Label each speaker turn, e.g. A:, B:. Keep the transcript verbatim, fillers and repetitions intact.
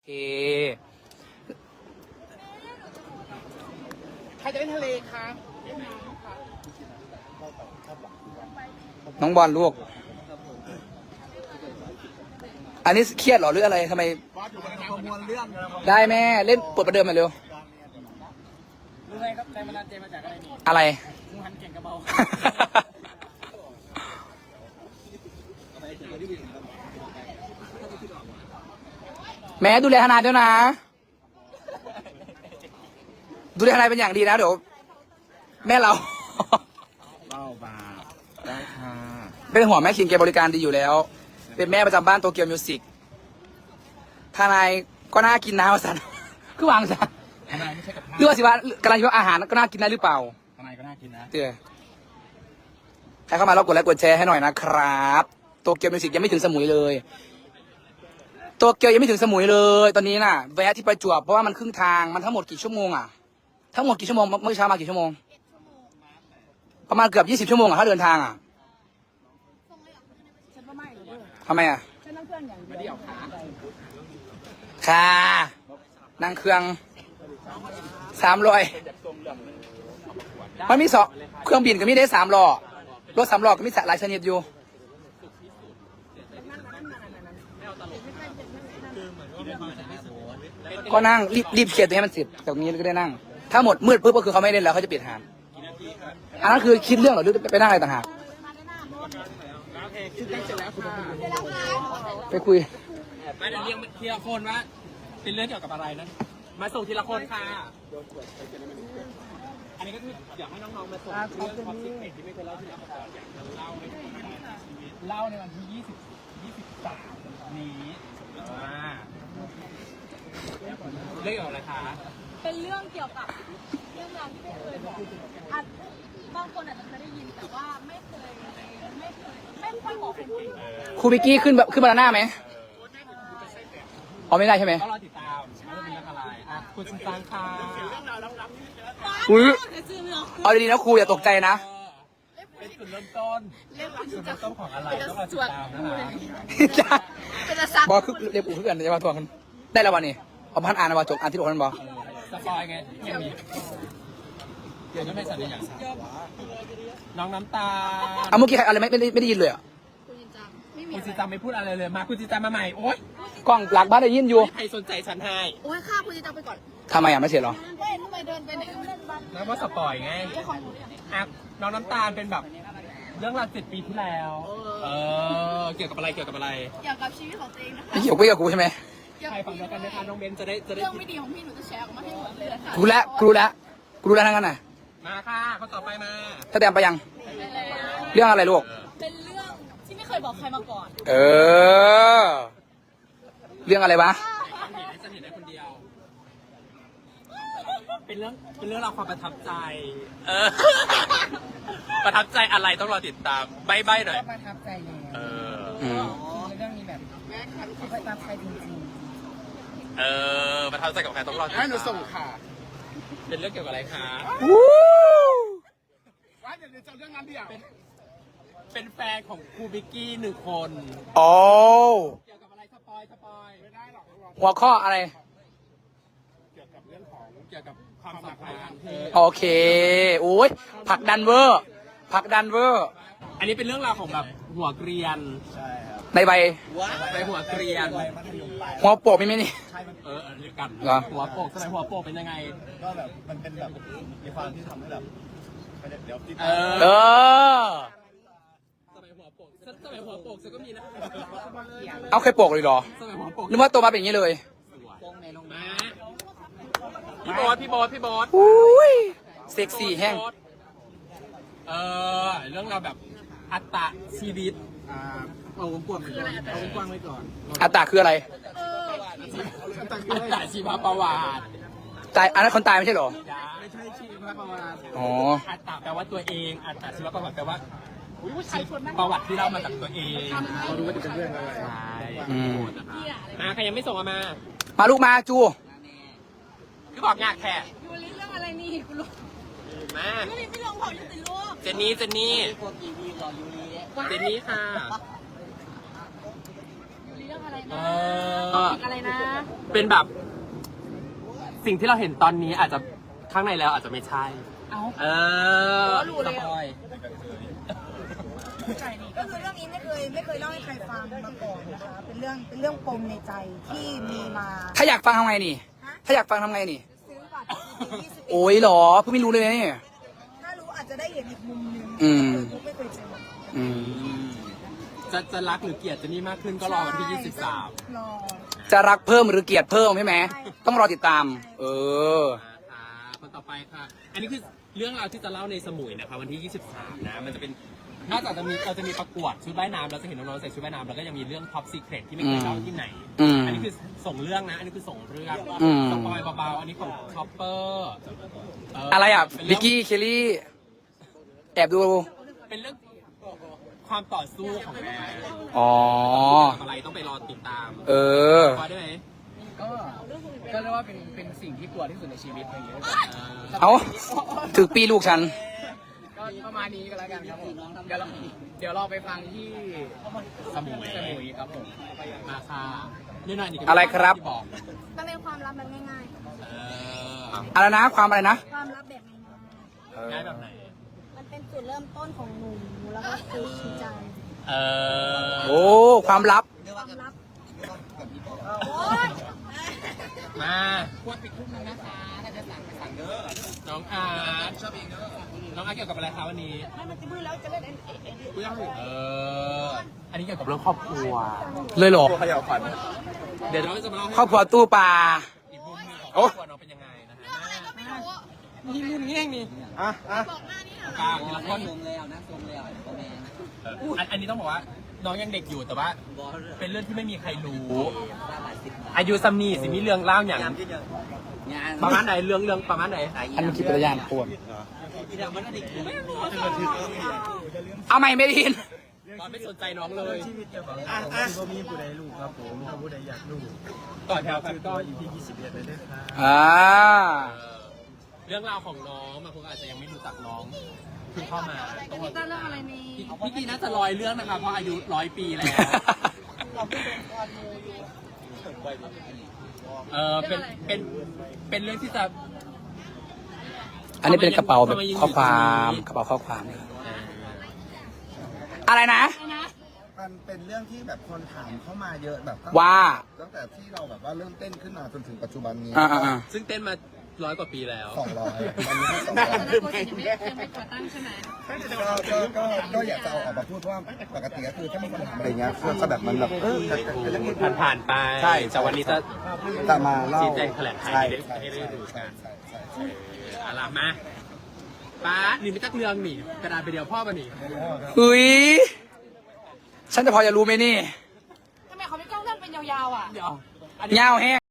A: เค
B: ใครจะเล่นทะเลคะ
A: น้องบอลลูก อันนี้เครียดเหรอหรืออะไรทำไม
B: ประมวลเรื่อง
A: ได้แม่เล่นปวดประเดิมมาเร็ว
B: รู้ไหมครับแรงบันดาลใจมาจากอะไรนี่
A: อะไร
B: งูหันเก่งกระเบา
A: แม่ดูแลทนายด้วยนะ ดูแลทนายเป็นอย่างดีนะเดี๋ยวแม่เรา
B: เบาบาได้ค่ะ
A: เป็นห่วงแม่คิงแกบริการดีอยู่แล้ว เป็นแม่ประจำบ้านโตเกียวมิวสิกทนายก็น่ากินนะวสัน คือวางซะ
B: ทนายไม่ใช่กับ
A: หรือว่าสิว่ากำลังคิดว่าอาหารก็น่ากินได้หรือเปล่า
B: ทนายก็น่ากินนะ
A: เดี๋ยวใครเข้ามาแล้วกดไลค์กดแชร์ให้หน่อยนะครับโตเกียวมิวสิกยังไม่ถึงสมุยเลยโตเกียวยังไม่ถึงสมุยเลยตอนนี้น่ะแวะที่ประจวบเพราะว่ามันครึ่งทางมันทั้งหมดกี่ชั่วโมงอ่ะทั้งหมดกี่ชั่วโมงเมื่อเช้ามากี่ชั่วโมงประมาณเกือบยี่สิบชั่วโมงอ่ะถ้าเดินทางอ่ะ
C: ฉันว่าไม่หรอกเด้อ
A: ทำไมอ่ะ
C: ฉันนั่งเครื่องอย่างเดียว
A: ค่ะนั่งเครื่องสามร้อยมันมีสองเครื่องบินก็มีได้สามล้อรถสามล้อก็มีหลายชนิดอยู่ก็นั่งรีบรีบเคลียร์ตัวให้มันเสร็จจากนี้ก็ได้นั่ง ถ้าหมดมืดปุ๊บก็คือเขาไม่เล่นแล้วเขาจะปิดหานอันนั้นคือคิดเรื่องเหรอหรือไปนั่งอะไรต่างหาก
B: ชุดได้เสร็จแล้วคุณ
A: ไปคุย
B: มาเดี๋ยวเรียงทีละคนว่าเป็นเรื่องเกี่ยวกับอะไรนะมาส่งทีละคนค่ะอันนี้ก็คืออยากให้น้องๆมาส่งเรื่องความคิดเห็นที่ไม่เคยเล่าที่เราก่อนอยากจะเล่าในเล่าในวันที่ยี่สิบ ยี่สิบสามนี้อ่าเรื่องเกี่ยวกับอะไรคะ
C: เป็นเรื่องเกี่ยวกับเรื่องราวที่ไม่เคยบอกอาจบางคนอาจจะเคยได้ยินแต่ว่าไม่เคยไม่เคยไม่ค่อยบอกคนอื่น
A: ครูบิกกี้ขึ้นแบบขึ้นบานาน่าไหมอ๋อไม่ได้ใช่ไหม
B: ก็รอติดตามว่าจะเป็นเรื่องอะไรอ่ะคุณชินซังค่ะ
A: อุ้ย
C: จะซื้อเรื่อง
A: เอาดีๆนะครูอย่าตกใจนะ
B: เป็นจุดเริ่มต้น
C: เล่มคุณ
B: จุด
C: จะ
B: เริ่มต้นของอะไรต้องรอติดตามนะคะ
C: เป็นจะซัก
A: บอคือเรียกปู่คือกันจะมาทวงกันได้แล้ววันนี้เอาพันอ่านนะว่าจบอ่านที่หกพันบอ
B: สปอยไงยังมีเดี๋ยวจะไม่สัญญาอย่างน้องน้ำตาล
A: เอาเมื่อกี้ใครอะไรไม่ไม่ได้ไม่ได้ยินเลยอ่ะ
C: คุณจินจังไม่มี
B: คุณ
C: อะ
B: จิ
C: ไร
B: ตาไม่พูดอะไรเลยมาคุณจิตามาใหม่โอ๊ย
A: กล้องหลักบ้านได้ยินอยู่
B: ใครสนใจฉันให้
C: โอ้ยข้าคุณจินจังไปก่อน
A: ทำไมอ่ะไม่เสร็จหรอ
C: ไม่ทำไมเดินไปไหนเล่นบ้าน
B: แล้วว่าสปอยไง
C: เจ้าของหนูเนี่ย
B: อ่ะน้องน้ำตาลเป็นแบบเรื่องราวเจ็ดปีที่แล้ว เออเกี่ยวกับอะไรเกี่ยวกับอะไร
C: เกี่ยวกับชีวิตของตัวเองนะคะ
A: ไม่เกี่ยวกับกับกูใช่ไหม
B: ใครฟังเดียวกันไหมคะน้องเบนจะได้จะได้
C: เรื่องไม่ดีของพี่หนูจะแชร์ออกมาให้หมดเลยค่ะ
A: กูรู้แล้วกูรู้แล้วกูรู้แล้วทั้งนั้นน่ะ
B: มาค่ะเขาต่อไปมา
A: ถ้าแตมไปยัง เรื่องอะไรลูก
C: เป็นเรื่องที่ไม่เคยบอกใครมาก่อน
A: เออ เรื่องอะไรวะ
B: ฉันเห็นฉันเห็นได้คนเดียว เป็นเรื่องเป็นเรื่องราวความประทับใจ เออ ประทับใจอะไรต้องรอติดตามใบ้ใบ้หน่อย
D: ประทับใจแล้ว
B: เออ
A: อืม
D: ในเรื่องนี้แบบประทับใจจริง
B: เออ ประทับใจกับใครต้องรอติดตาม
D: ๆให้หนูส่งค่ะ
B: เป็นเรื่องเกี่ยวกับอะไรคะ
A: วู้
D: ว่าเดี๋ยวจะเรื่องนั้นเดียว
B: เป็นแฟนของครูบิกกี้หนึ่งคน
A: โอ้
B: เกี่ยวกับอะไรสปอยสปอยไม่ได้หรอก
A: หัวข้ออะไร
B: เกี่ยวกับเรื่องของเกี่ยวกับความสัมพันธ์เธอ
A: โอเคโอ้ยผลักดันเวอร์ผลักดันเวอร์
B: อันนี้เป็นเรื่องราวของแบบหัวเกรียน
A: ในใบ
B: ไปหัวเกรียน
A: หัวโปกมีไหมนี่
B: เออเรียกกัน
A: เหรอ
B: หัวโปกสมัยหัวโปกเป็นยังไง
E: ก็แบบมันเป็นแบบมีความที่ทำให้แบบเดี๋ยวติด
B: เอ
A: เอ
B: อ
A: อ
B: สมัยหัวโปกสมัยหัวโปกฉันก็มีนะ
A: เอาเคยโปกเลยเหรอ
B: สมัยหัวโปก
A: นึกว่าโตมาเป็นอย่างนี้เลย
B: มาพี่โบ๊ทพี่โบ๊ทพี่โบ๊ท
A: อุ้ยเซ็กซี่แห้ง
B: เออเรื่องราวแบบอัตตะชีวิต
E: อ่าเอากว้างๆไปก่อนเอากว้างๆไว้ก่อน
A: อัตตาคืออะไร
B: อัตตะชีวประวัติ
A: ตายอันนั้นคนตายไม่ใช่เหรอ
E: ไม่ใช่ชีวประวัติ
A: อ๋อ
B: อัตตะแปลว่าตัวเอง อัตตะชีวประวัติแปลว่าประวัติที่เล่ามาจากตัวเอง
E: เราดูว่าจะเป็นเรื่องอะไร
B: ใช่
A: อืม
B: มาใครยังไม่ส่งมามา
A: มาลูกมาจู
B: คือบอกงากแค่
C: ยูริเรื่องอะไรนี่กูรู้
B: มา
C: ยูริไม่ลงเผายังติดลูก
B: เจนนี่เจนนี่เจนนี่ค่ะ
C: ยูริเรื่องอะไรอะไร
B: เอ
C: นะ
B: อ
C: อะไรนะ
B: เป็นแบบ สิ่งที่เราเห็นตอนนี้อาจจะข้างในแล้วอาจจะไม่ใช่
C: เอา
B: เออ
C: รู้เลย
B: สปอย
F: ก็คือเรื่องนี้ไม่เคยไม่เคยเล่าให้ใครฟังมาก่อนนะคะ เป็นเรื่องเป็นเรื่องปมในใจที่มีมา
A: ถ้าอยากฟังทำไงนี่ ถ้าอยากฟังทำไงนี่
F: ซื้อบัตร อี พี ยี่สิบเอ็ด
A: โอ้ยเหรอเพิ่งไม่รู้เลยนะเนี่ย
F: ถ้ารู้อาจจะได้เห็นอีกมุมหนึง
A: อืม
F: ไม่เคยเจอ
A: อืม
B: จะจะรักหรือเกลียดเจะนี่มากขึ้นก็รอวันที่ยี่สิบสาม
F: รอ
A: จะรักเพิ่มหรือเกลียดเพิ่มใช่ไหม ต้องรอติดตาม เออ
B: อ่าคนต่อไปค่ะ อันนี้คือเรื่องราวที่จะเล่าในสมุยนะคะวันที่ยี่สิบสามนะ มันจะเป็นนอกจากจะมีเราจะมีประกวดชุดว่ายน้ำเราจะเห็นน้องๆใส่ชุดว่ายน้ำแล้วก็ยังมีเรื่อง Top Secret ที่ไม่เคยเล่าที่ไหน
A: อืม
B: อันนี้คือส่งเรื่องนะ อันนี้คือส่งเรื่อง
A: อืม
B: สปอยเบาๆ อันนี้ของชอปเปอร์
A: อะไรอ่ะ
B: เป็น
A: ลิ
B: เรื่
A: กกี้ เคลลี่ แอบดู
B: เป็นเรื่องความต่อสู้ของแม่
A: อ๋อ
B: อะไรต้องไปรอติดตาม
A: เออ
B: พอได้ไหม
D: ก็ก็เรียกว่าเป็นเป็นสิ่งที่กลัวที่สุดในชีวิตอะไรอย่างเงี้ย
A: เอาถึงปีลูกฉัน
D: ก็ประมาณนี้ก็แล้วกันครับผมเดี๋ยวเราเดี๋ยวเราไปฟังที่
B: สมุย
D: สมุยครับผม
B: มาค่ะนี่หน่อยนี่ก็
A: อะไรครับ
B: ที่อก
F: มันเป็นความลับแบบง่าย
B: เออ
A: อะไรนะ ความอะไรนะ
F: ๆ ความลับแบบง่าย
B: ง่ายแบบไหน
F: ๆมันเป็นจุดเริ่มต้นของหนุ่มแล้วก็คือชินจัง
B: เออ
A: โอ้ ความลับ
F: ความลับ
B: มาควรปิดทุ่มนึงนะคะถ้าจะสั่งไปสั่งเด้อน้องอาร์ตชอบเองเด้อน้องอาร์ตเกี่ยวกับอะไรคะวันนี้
F: ให้มันจะมืดแล้วจะเล่นเอ็นเอ็นเอ็น
B: เออ อันนี้เกี่ยวกับเรื่องครอบครัว
A: เลยเหรอ
E: เขย่าขวัญ
B: เดี๋ยวเราจะมาเล่าให้
A: ครอบครัวตู้ปลา
B: อีกมุมหนึงของค
A: โอ้
B: รอบครัวน้องเป็นยังไงนะฮะนี่รุ่นนี้เองนี่
E: อ่ะอ่ะ
B: กลางทีละคนอันอันนี้ต้องบอกว่า น้องยังเด็กอยู่แต่ว่า เป็นเรื่องที่ไม่มีใครรู้ อายุซัมนี่สิมีเรื่องเล่าอย่างประมาณไหนเรื่องเรื่องประมาณไหน
A: อันนี้คิดเป็นยานปวดเอาใหม่ไม่ได้ยิน
B: ตอนไม่สนใจน้องเลย
E: อ่ะอ่ะ
G: ก็มีผู้ใดลูกครับผมถ้าผู้ใดอยากลูก
B: ต่อแถวครับ
G: ก็อยู่ที่ยี่สิบเอ็ดเลยนะครับ
A: อ่า
B: เออเรื่องราวของน้องบางคนอาจจะยังไม่รู้จักน้องเพิ่งเข้ามาต้อง
C: นี่ก็เรื่องอะไรมี
B: พี่พี่กีน่าจะลอยเรื่องนะคะเพราะอายุร้อยปีแล้ว เออเป็นเป็นเป็นเรื่องที่จะ
A: อันนี้เป็นกระเป๋าแบบข้อความกระเป๋าข้อความนะครับอะไรนะ
E: มันเป็นเรื่องที่แบบคนถามเข้ามาเยอะแบบตั้ง
A: ว่า
E: ตั้งแต่ที่เราแบบว่าเริ่มเต้นขึ้นมาจนถึงปัจจุบันนี้
A: อ่าอ่าอ่า
B: ซึ่งเต้นมาร้อยกว่าปีแล้ว
E: สองร้อยอันนี้สอง
C: แต่
E: ร้อย
C: ตอนนั้นโคชยังไม่ยังไม่ก่อตั้งใช่ไหม
E: ก็ก็ก็ก็อยากจะเอาออกมาพูดเพราะว่าปกติก็คือถ้ามีคนถามอะไรเงี้ยก็แบบมันแบบเออจะจะจะพูด
B: ผ่านผ่านๆไป
E: ใช่
B: แต่วันนี้จะ
E: จะมาเล่า
B: ชี้แจงแถลงไข
E: ใช่
B: ให้ได้
E: ใช่
B: ให้ได้ดูกัน
E: ใช่ใช่ใช่
B: เอาล่ะมาป้าหนีไม่ตักเรื่องหนีกระดาษไปเดียวพ่อมาหนี
A: อุ้ยฉันจะพอจะรู้ไหมนี่
C: ทำไมเขาไม่กล้องเรื่องเป็นยาวๆอ่ะ
B: เดี๋ยว
A: เงาแห้ง